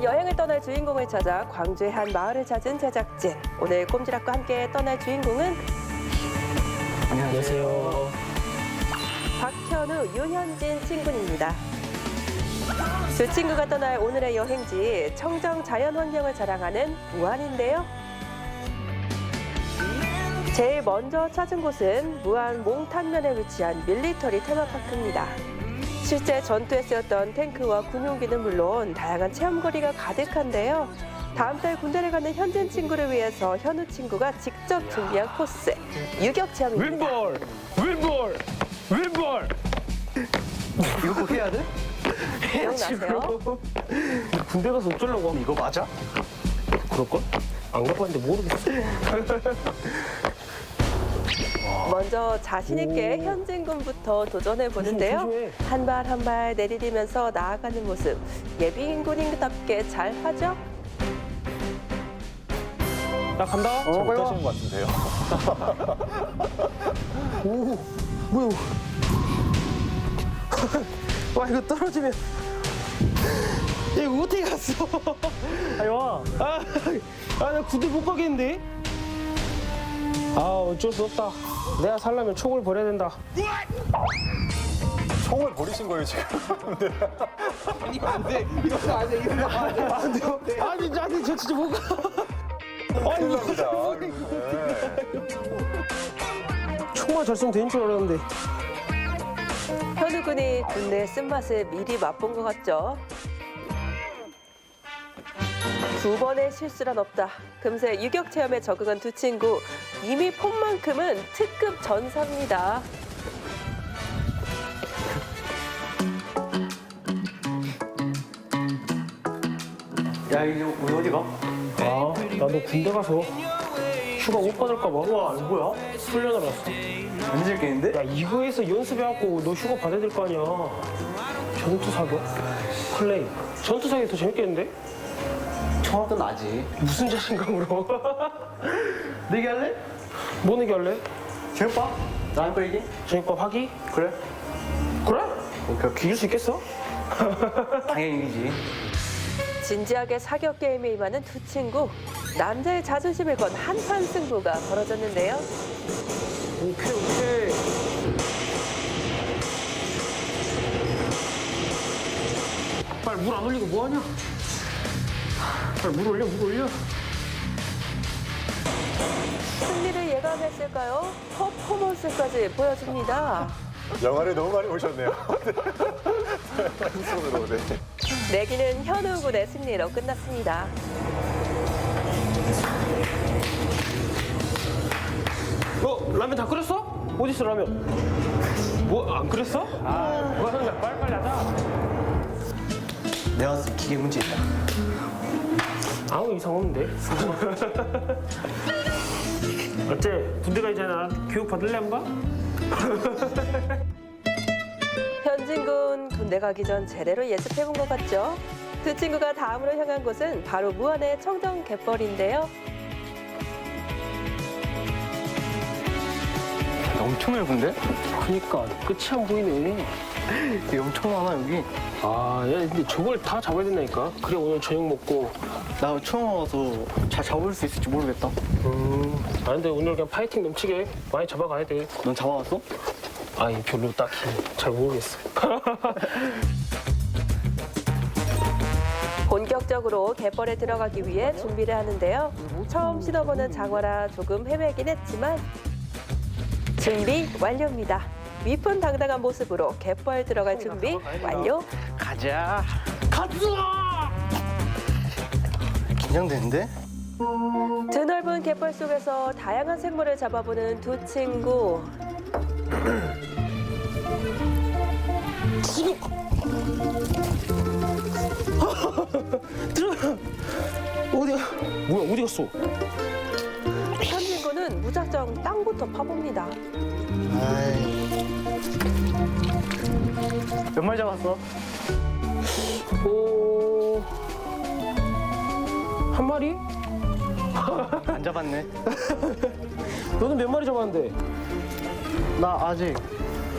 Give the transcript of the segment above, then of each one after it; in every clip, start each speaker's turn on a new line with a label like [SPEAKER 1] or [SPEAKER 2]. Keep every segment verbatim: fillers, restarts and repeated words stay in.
[SPEAKER 1] 여행을 떠날 주인공을 찾아 광주의 한 마을을 찾은 제작진. 오늘 꼼지락과 함께 떠날 주인공은
[SPEAKER 2] 안녕하세요.
[SPEAKER 1] 박현우, 유현진 친구입니다. 두 친구가 떠날 오늘의 여행지, 청정 자연환경을 자랑하는 무안인데요. 제일 먼저 찾은 곳은 무안 몽탄면에 위치한 밀리터리 테마파크입니다. 실제 전투에 쓰였던 탱크와 군용기는 물론 다양한 체험거리가 가득한데요. 다음 달 군대를 가는 현진 친구를 위해서 현우 친구가 직접 준비한 코스, 유격 체험입니다.
[SPEAKER 2] 왼볼! 왼볼! 왼볼!
[SPEAKER 3] 이거 꼭 해야 돼?
[SPEAKER 1] 기억나세요?
[SPEAKER 2] 군대 가서 어쩌려고 하면
[SPEAKER 3] 이거 맞아?
[SPEAKER 2] 그럴걸? 안 가봤는데 모르겠어.
[SPEAKER 1] 먼저 자신 있게 현진 군부터 도전해 보는데요.
[SPEAKER 2] 조심해.
[SPEAKER 1] 한 발 한 발 내디디면서 나아가는 모습, 예비인 군인답게 잘 하죠?
[SPEAKER 2] 나 간다.
[SPEAKER 3] 어, 빨리 와.
[SPEAKER 4] 못하시는 것 같은데요.
[SPEAKER 2] 오, 뭐야? 와 이거 떨어지면 이거 어떻게 갔어? 아니 와. 아, 아, 나 군대 못 가겠는데? 아, 어쩔 수 없다. 내가 살려면 총을 버려야 된다.
[SPEAKER 4] 총을 버리신 거예요, 지금.
[SPEAKER 3] 아니, 안 돼. 이러면 안 돼. 이러면 안 돼.
[SPEAKER 2] 안 돼요? 아니, 아니, 저 진짜 못 가. 아니,
[SPEAKER 4] 감사합니다.
[SPEAKER 2] 총만 잘 쏘면 되는 줄 알았는데.
[SPEAKER 1] 현우 군이 군대의 쓴맛을 미리 맛본 것 같죠? 두 번의 실수란 없다. 금세 유격 체험에 적응한 두 친구. 이미 폼만큼은 특급 전사입니다.
[SPEAKER 3] 야, 이거 우리 어디 가?
[SPEAKER 2] 아, 나도 군대 가서 휴가 못 받을까 봐. 와, 이거 뭐야? 훈련을 왔어.
[SPEAKER 3] 안 즐기는데?
[SPEAKER 2] 야, 이거에서 연습해갖고 너 휴가 받아야 될 거 아니야. 전투 사격? 플레이. 전투 사격이 더 재밌겠는데?
[SPEAKER 3] 총알도 나지.
[SPEAKER 2] 무슨 자신감으로?
[SPEAKER 3] 내기 할래?
[SPEAKER 2] 뭐 내기 할래?
[SPEAKER 3] 제육밥? 나랑 거 얘기?
[SPEAKER 2] 저녁밥 하기?
[SPEAKER 3] 그래?
[SPEAKER 2] 그래? 이길 수 있겠어?
[SPEAKER 3] 당연히 이기지.
[SPEAKER 1] 진지하게 사격 게임에 임하는 두 친구. 남자의 자존심을 건 한판 승부가 벌어졌는데요.
[SPEAKER 2] 오케이, 오케이. 빨리 물 안 올리고 뭐하냐? 빨리 물 올려, 물 올려.
[SPEAKER 1] 승리를 예감했을까요? 퍼포먼스까지 보여줍니다.
[SPEAKER 4] 영화를 너무 많이 보셨네요. 손으로, 네.
[SPEAKER 1] 내기는 현우 군의 승리로 끝났습니다.
[SPEAKER 2] 어, 라면 다 끓였어? 어디 있어, 라면? 뭐, 안 끓였어? 아, 뭐야, 형님, 빨리빨리 하자.
[SPEAKER 3] 내가 봤을 때 기계 문제 있다.
[SPEAKER 2] 아무 이상 없는데? 어째? 군대 가기 전에 나 교육 받을래 한번?
[SPEAKER 1] 현진 군 군대 가기 전 제대로 예습해본 것 같죠? 두 친구가 다음으로 향한 곳은 바로 무안의 청정 갯벌인데요.
[SPEAKER 3] 엄청 넓은데?
[SPEAKER 2] 그니까 끝이 안 보이네.
[SPEAKER 3] 여기 엄청 많아, 여기.
[SPEAKER 2] 아, 야, 근데 저걸 다 잡아야 된다니까. 그래 오늘 저녁 먹고.
[SPEAKER 3] 나 처음 와서 잘 잡을 수 있을지 모르겠다.
[SPEAKER 2] 음, 아 근데 오늘 그냥 파이팅 넘치게 많이 잡아가야 돼.
[SPEAKER 3] 넌 잡아왔어?
[SPEAKER 2] 아니 별로 딱히 잘 모르겠어.
[SPEAKER 1] 본격적으로 갯벌에 들어가기 위해 준비를 하는데요. 처음 신어보는 장어라 조금 헤매긴 했지만 준비 완료입니다. 위풍당당한 모습으로 갯벌 들어갈 준비 완료.
[SPEAKER 3] 가자. 가자! 긴장되는데?
[SPEAKER 1] 드넓은 갯벌 속에서 다양한 생물을 잡아보는 두 친구.
[SPEAKER 2] 들어가. 어디야? 뭐야 어디 갔어?
[SPEAKER 1] 현진군은 무작정 땅부터 파봅니다.
[SPEAKER 3] 아이. 몇 마리 잡았어?
[SPEAKER 2] 오, 한 마리?
[SPEAKER 3] 안 잡았네.
[SPEAKER 2] 너는 몇 마리 잡았는데?
[SPEAKER 3] 나 아직.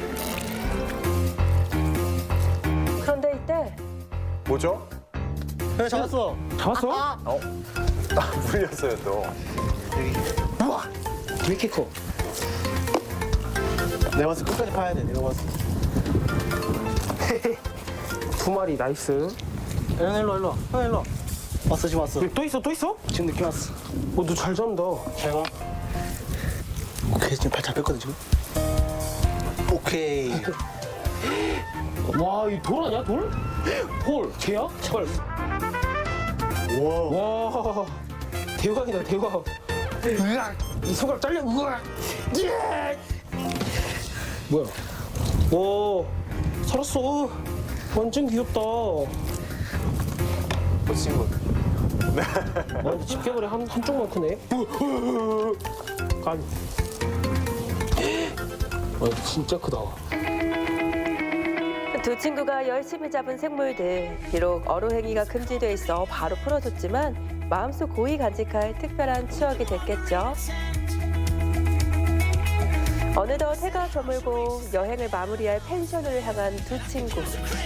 [SPEAKER 1] 그런데 이때
[SPEAKER 4] 뭐죠?
[SPEAKER 5] 그래 잡았어.
[SPEAKER 2] 잡았어?
[SPEAKER 4] 어? 아, 물렸어요 또.
[SPEAKER 2] 우와! 왜 이렇게 커?
[SPEAKER 5] 내가 봤을 때 끝까지 파야 돼. 내가 봤을 때.
[SPEAKER 2] 두 마리 나이스.
[SPEAKER 5] 형 일로 일로. 형 일로. 왔어 지금 왔어.
[SPEAKER 2] 여기 또 있어 또 있어?
[SPEAKER 5] 지금 느낌 왔어.
[SPEAKER 2] 어, 너 잘 잡는다.
[SPEAKER 5] 잘 가. 오케이 지금 발 잡혔거든 지금. 오케이.
[SPEAKER 2] 와, 이 돌 아니야 돌? 홀, 걔야? 제발.
[SPEAKER 5] 와.
[SPEAKER 2] 와, 대박이다 대박. 으악! 이 손가락 잘려. 우와. 예! 뭐야? 와, 살았어. 완전 귀엽다.
[SPEAKER 4] 멋진 거.
[SPEAKER 2] 와, 집게벌이 한 한쪽만 크네. 간. 와, 진짜 크다.
[SPEAKER 1] 두 친구가 열심히 잡은 생물들, 비록 어로행위가 금지돼 있어 바로 풀어줬지만 마음속 고이 간직할 특별한 추억이 됐겠죠. 어느덧 해가 저물고 여행을 마무리할 펜션을 향한 두 친구.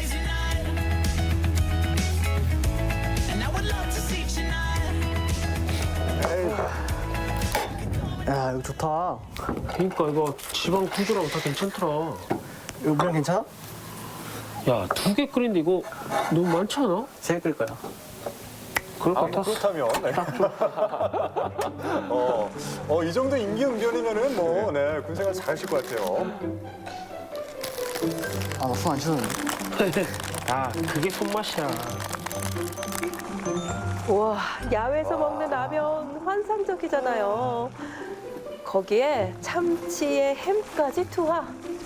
[SPEAKER 5] 야 이거 좋다.
[SPEAKER 2] 그러니까 이거 지방 구조랑 다 괜찮더라.
[SPEAKER 5] 이거 물량 괜찮아?
[SPEAKER 2] 야, 두 개 끓인데 이거 너무 많지 않아?
[SPEAKER 5] 세 개 끓일 거야.
[SPEAKER 2] 그럴 것
[SPEAKER 4] 아,
[SPEAKER 2] 같았어.
[SPEAKER 4] 그렇다면. 네. 어, 어, 이 정도 임기응변이면은 뭐, 네, 군생활 잘하실 것 같아요.
[SPEAKER 5] 아나 손 안 씻었는데.
[SPEAKER 2] 야, 그게 손맛이야.
[SPEAKER 1] 우와, 야외에서 먹는 라면 환상적이잖아요. 거기에 참치에 햄까지 투하.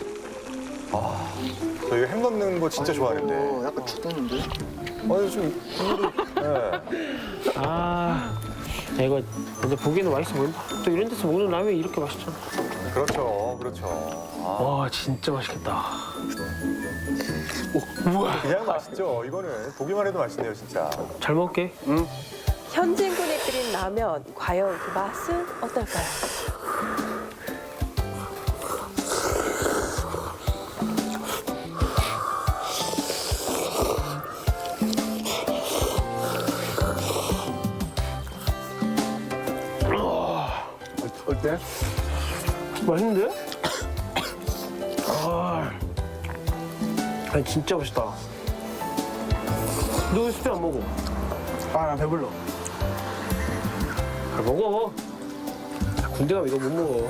[SPEAKER 4] 저 이거 햄 넣는 거 진짜
[SPEAKER 5] 어,
[SPEAKER 4] 좋아하는데.
[SPEAKER 5] 약간 죽겠는데?
[SPEAKER 4] 아니, 좀, 국물이, 네.
[SPEAKER 2] 아, 야, 이거 근데 보기에는 맛있어 보인다. 또 이런 데서 먹는 라면이 이렇게 맛있잖아.
[SPEAKER 4] 그렇죠, 그렇죠. 아,
[SPEAKER 2] 와, 진짜 맛있겠다. 오, 우와.
[SPEAKER 4] 그냥 맛있죠. 이거는 보기만 해도 맛있네요, 진짜.
[SPEAKER 2] 잘 먹을게. 응.
[SPEAKER 1] 현진군이 끓인 라면, 과연 그 맛은 어떨까요?
[SPEAKER 5] 어때?
[SPEAKER 2] 맛있는데? 아, 아니 진짜 맛있다. 너 왜 스프 안 먹어?
[SPEAKER 5] 아나 배불러.
[SPEAKER 2] 잘 먹어. 야, 군대 가면 이거 못 먹어.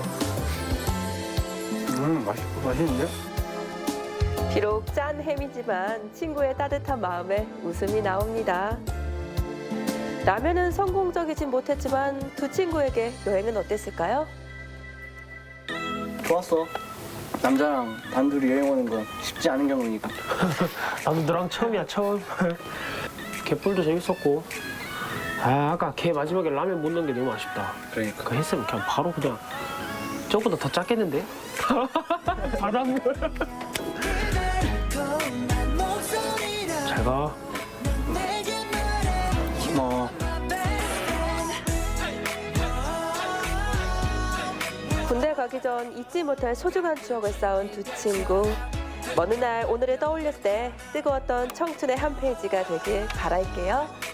[SPEAKER 5] 음 맛있 맛있는데?
[SPEAKER 1] 비록 짠 햄이지만 친구의 따뜻한 마음에 웃음이 나옵니다. 라면은 성공적이진 못했지만 두 친구에게 여행은 어땠을까요?
[SPEAKER 5] 좋았어. 남자랑 단둘이 여행 오는 건 쉽지 않은 경우니까.
[SPEAKER 2] 나도 너랑 처음이야 처음. 갯불도 재밌었고. 아, 아까 걔 마지막에 라면 못 넣은 게 너무 아쉽다.
[SPEAKER 5] 그러니까.
[SPEAKER 2] 그거 했으면 그냥 바로 그냥 저보다 더 작겠는데? 바닷물. 잘 가.
[SPEAKER 5] 어.
[SPEAKER 1] 군대 가기 전 잊지 못할 소중한 추억을 쌓은 두 친구. 먼 날 오늘을 떠올렸을 때 뜨거웠던 청춘의 한 페이지가 되길 바랄게요.